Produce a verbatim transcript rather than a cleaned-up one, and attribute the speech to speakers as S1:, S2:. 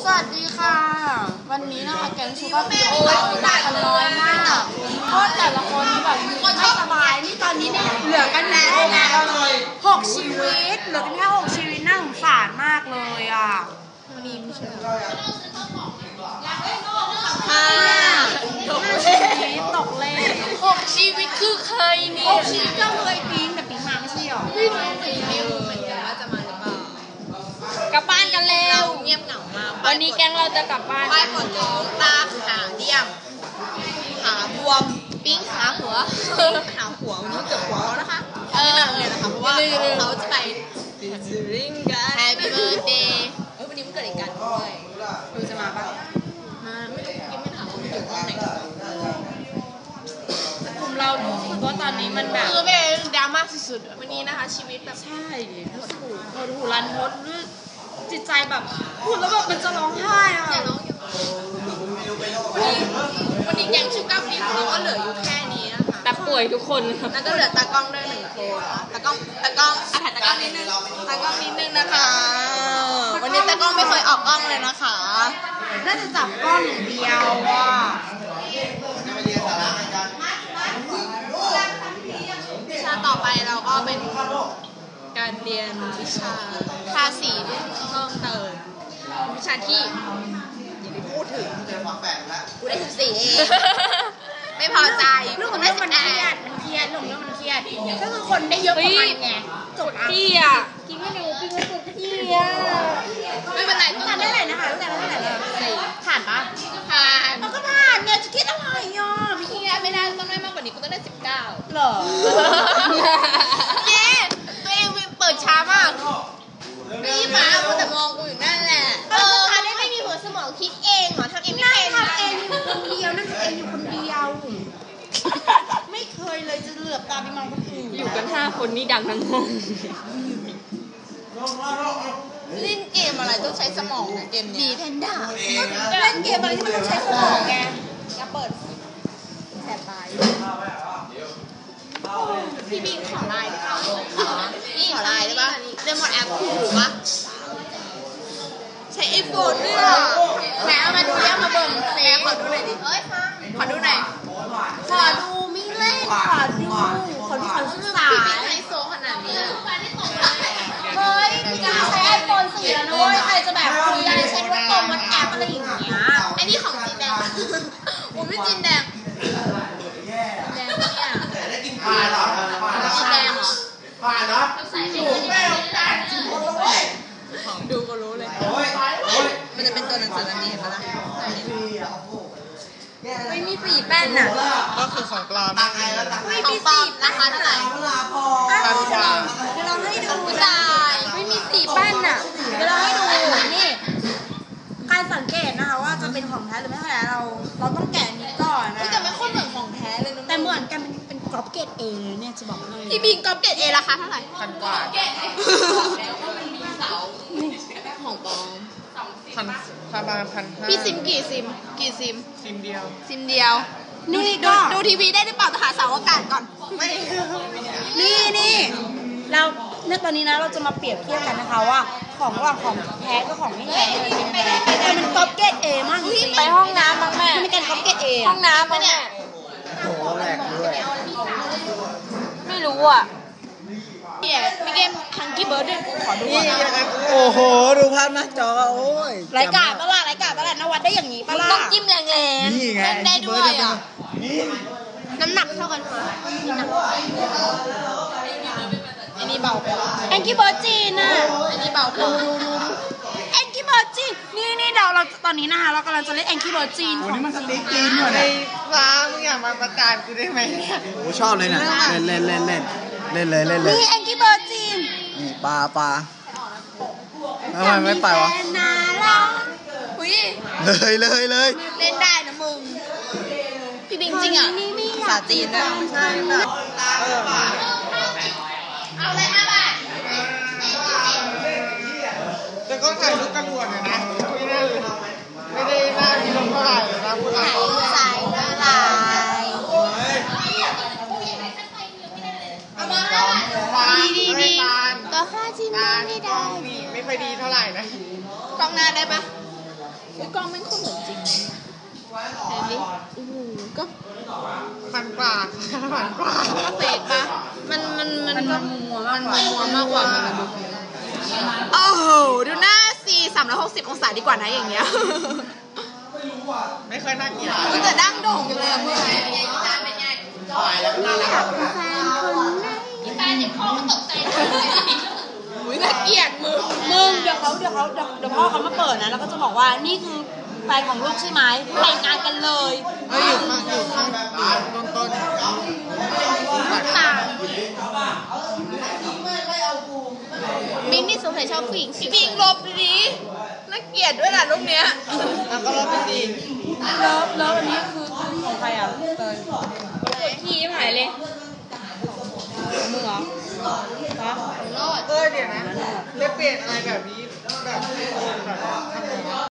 S1: วัสดีค่ะวันนี้นะคะแกงชูก็มีโอ้ยมากันน้อยมากเพราะแต่ละคนแบบไม่สบายนี่ตอนนี้เนี่ยเหลือกันแค่หกชีวิตเหลือกันแค่หกชีวิตน่าสงสารมากเลยอ่ะวันนี้ไม่ใช่ห้าตกเลขตกเลข
S2: หกชีวิตคือเคยนี่
S1: หกชีวิตก็เคยปิ๊งแต่ปิ๊งมาไม่ใช่หรอ
S2: ไม่รู้สิไม่รู้เหมือนกันว่าจะมาหรือเปล่ากลับบ้านกันเร็ว
S3: เงียบเหงามาก
S2: วันนี้แก๊งเราจะกลับบ้าน
S3: ป้ายปวดท้องตาขาเดี่ยมขาบวมปิ้งขาหัวขาหัววันนี้เกือบหัวแล้วนะคะเออเลยนะคะเพราะว่าเขาจะไปดิริงกัน
S2: Happy Birthday
S3: เฮ้ยวันนี้มันเกิดอีกกันด้วย
S1: ดูจะมาปะ
S3: มาไม่รู้ยังไม่ถามว่ามันอยู่ห้องไหน
S1: กลุ่มเรารู้สึกว่าตอนนี้มันแบบ
S3: คือเป็นดราม่าสุดๆวันนี้นะคะชีวิตแบบ
S1: ใช่หดหูหดหูรันทดด้วยจิตใจแบบพูดแล้วแบบมันจะร้องไห้อ่ะ
S3: อย่าร้องอย่าวันนี้วันนี้แก๊งชูการ์ฟิล์มเราก็เหลืออยู่แค่นี้นะคะ
S2: แต่ป่วยทุกคน
S3: แล้วก็เหลือตากล้องด้วยหนึ่งคนตากล้องตากล้องอ่ะถ่ายตากล้องนิดนึงตากล้องนิดนึงนะคะวันนี้ตากล้องไม่เคยออกกล้องเลยนะคะ
S1: น่าจะจับกล้องอย่างเดียวว่า
S3: วิชาต่อไปเราก็เป็นการเรียนวิชาภาษีเพิ่มเติมวิชาที่อย่าไปพูดถึงกูได้สิบสี่เองไม่พอใจ
S1: เรื่องของเรื่องมันเครียดมันเครียดเรื่องของเรื่องมันเครียดก็คือคนได้เยอะกว่ามันไง
S2: จบที่อ่ะ
S1: กินไม่เร็วกินไม่สุดที่อ่ะ
S3: ไม่เป็นไร
S1: ต้องทานได้เลยนะคะตั้งแต่ตั้งแต่เลยผ่านปะ
S3: ผ่าน
S1: เราก็ผ่านเนี่ยจะคิดอะไรอ่ะ
S3: พี่คิดไม่ได้ต้องได้มากกว่านี้กูต้องได้สิบเก้า
S1: เหรอ
S3: เนี่ยตัวเองเปิดช้ามากพี่ฟ้าแต่มองกูอยู่นั่นแหละเออทานได้ไม่มีหัวสมองคิดเองเหรอทำเองไม่เป็น
S1: ทำเองอยู่คนเดียวนั่นทำเองอยู่คนเดียวไม่เคยเลยจะเหลือบตาไปมองคนอื่น
S2: อยู่กันห้าคนนี่ดังทั้งห้อง
S3: เล่นเกมอะไรต้องใช้สมองนะเกมนี้ดีแพนด้า
S1: เล่นเกมอะไรที่มันต้องใช้สมองไง
S3: อย่าเปิดแสบตายพี่บิงขอไลน์ได้ป่ะนี่ขอไลน์ได้ป่ะเล่นหมดแอปคู่ถูกป่ะใช้ไอโฟนด้วยอ่ะแหมเอามาดูย่ามาเบิ่งแหมขอดูหน่อยดิเอ้ยขอดูหน่อย
S1: ขอดูไม่เล่นขอดูขอดูขอศึกษา
S3: พี่บิงไฮโซขนาดนี้
S1: เฮ้ยพี่จะใช้ไอโฟนสี่แล้วนะเว้ยใครจะแบบคุยอะไรใช้ว่าโกงวัดแอปอะไรอย่างเงี้ย
S3: ไอ้นี่ของจีนแดงผมไม่จีนแดงแดงเนี่ย
S4: ผ่านเหรอ
S3: จีนแดงเหรอ
S4: ผ่านเนาะ
S3: ดูดูก็รู้เลยมันจะเป็นตัวหนังสือแบบนี้เห็นไหมล่ะ
S1: ไม่มีสีแป้นน่ะ
S4: ก็คือของปลอม
S3: ไม่มีสีนะคะเท่าไหร่
S4: พันกว่า
S1: เดี๋ยวเราให้ดู
S3: ตาย
S1: ไม่มีสีแป้นน่ะเดี๋ยวเราให้ดูนี่ใครสังเกตนะคะว่าจะเป็นของแท้หรือไม่แท้เราเราต้องแกะนี้ก่อนนะ
S3: แต่ไม่ค่อยเหมือนของแท้เลยนะ
S1: แต่เหมือนกันเป็นกรอบเกตเอเนี่ยจะบอกเลย
S3: พี่บิงกรอบเกตเอราคาเท่าไหร่
S4: พันกว่า
S3: ของปลอม
S4: พันประมาณพันห้า
S3: พี่ซิมกี่ซิมกี่ซิม
S4: ซิมเดียว
S3: ซิมเดียวดูดูดูทีวีได้หรือเปล่าหาเสาอากาศก่อนไม่
S1: นี่นี่เราเนี่ยตอนนี้นะเราจะมาเปรียบเทียบกันนะคะว่าของระหว่างของแท้กับของไม่แท้เป็นยังไงแต่มันก๊อปเกตเอมาก
S2: ไปห้องน้ำบ้างแม่
S1: มันเป็นก๊อปเกตเอ
S2: ห้องน้ำบ้างเนี่ย
S4: โอ้โหแหลกด้วย
S2: ไม่รู้อ่ะ
S3: เนี่ยมีเกมฮังกี้เบิร์ดด้วยขอดู
S4: นี่ยังไงโอ้โหดูภาพหน้าจอโอ้ย
S1: รายการปะล่ะรายการปะล่ะนวัดได้อย่างนี้ปะล่ะ
S2: ต้องจิ้มแรงๆ
S4: นี่ไง
S3: ได้ด้วยอ่ะน้ำหนักเท่ากันอันนี้เบาไป
S1: แองกี้เบิร์ดจีนอ่ะ
S3: อันนี้เบาดูดูดู
S1: แองกี้เบิร์ดจีนนี่นี่เราเราตอนนี้นะคะเรากำลังจะเล่นแองกี้เบิร์ดจีน
S4: โอ้นี่มันสติ๊กจีนอยู่นะฟ้ามึงอยากมาประจานกูได้ไหมเนี่ยโอ้ชอบเลยนะเล่นเล่นเล่นเล่นเล่นเลยเล่นเลย
S1: นี่แองกี้เบิร์ดจีน
S4: นี่ปลาปลาทำไมไม่ไปวะ
S3: อุ้ย
S4: เลยเลยเลย
S3: เล่นได้นะมึงพี่บิงจริงอ่ะภาษาจีนนะใช่แบบเอาเลยห้าบาท
S4: แต่ก็ถ่ายรูปกระลวนเลยนะไม่ได้ไม่ได้หน้ามีลมเท่าไหร่เลยนะพูดอะไร
S3: สายละลายดีดีดีก็ค่าจีนไม่ได้
S4: ไม่ค่อยดีเท่าไหร่นะ
S3: กล้องหน้าได้ปะกล้องไม่ค่อยเหมือนจริงเห็นดิโอ้โหก็
S4: ฟันปลาฟันปลา
S3: เฟกปะมันมันมัน
S1: มัน
S3: ก็
S1: มัวมากก
S3: มั
S1: ว่าน
S3: มัวมากกว่ามันดูโอ้โหดูหน้าสี่สามร้อยหกสิบองศาดีกว่านะอย่างเงี้ย
S4: ไม่เคยน่าเกลียด
S3: มันจะดั้งโด่งอยู่เลยอะเพื่อน
S4: ตายแล้วน่ารัก
S3: พี่แฟนเด็กพ่อก็ตกใจอุ้ยน่าเกลียดมึง
S1: มึงเดี๋ยวเขาเดี๋ยวเขาเดี๋ยวเดี๋ยวพ่อเขามาเปิดนะแล้วก็จะบอกว่านี่คือแฟนของลูกใช่ไหมแต่งงานกันเลย
S4: เฮ้ยอยู่ข้างอยู่ข้างต้นต้น
S3: ตามินนี่สงสัยชอบผู้หญิงพี่ปิงลบดีๆน่าเกลียดด้วยล่ะรูปเนี้ย
S4: แล้วก็รอบดี
S1: เลิฟเลิฟอันนี้คือของใครอ่ะเตย
S2: ขี้หายเลยมึงเหรอ
S4: เออเดี๋ยวนะเรียกเปลี่ยนอะไรแบบนี้แบบแบบ